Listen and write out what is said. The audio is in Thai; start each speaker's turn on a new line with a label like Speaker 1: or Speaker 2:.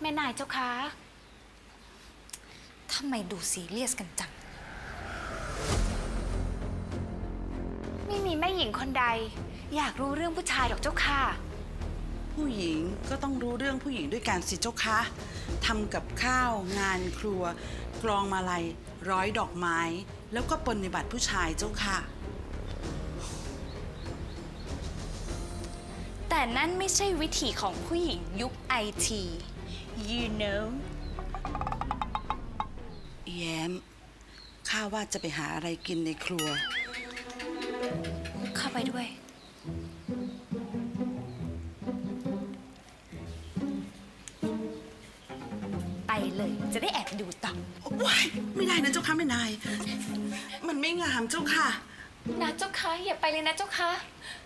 Speaker 1: แม่นายเจ้าคะ
Speaker 2: ทำไมดูซีเรียสกันจัง
Speaker 1: ไม่มีแม่หญิงคนใดอยากรู้เรื่องผู้ชายหรอกเจ้าค่ะ
Speaker 3: ผู้หญิงก็ต้องรู้เรื่องผู้หญิงด้วยกันสิเจ้าคะทำกับข้าวงานครัวกรองมาลัยร้อยดอกไม้แล้วก็ปฏิบัติผู้ชายเจ้าค่ะ
Speaker 2: แต่นั่นไม่ใช่วิถีของผู้หญิงยุคไอที you know
Speaker 3: แย้มข้าว่าจะไปหาอะไรกินในครัว
Speaker 2: เข้าไปด้วยไปเลยจะได้แอบดูต่อ
Speaker 3: ว้ายไม่ได้นะเจ้าค่ะแม่นายมันไม่งามเจ้าค่ะ
Speaker 1: นะเจ้าคะอย่าไปเลยนะเจ้าคะ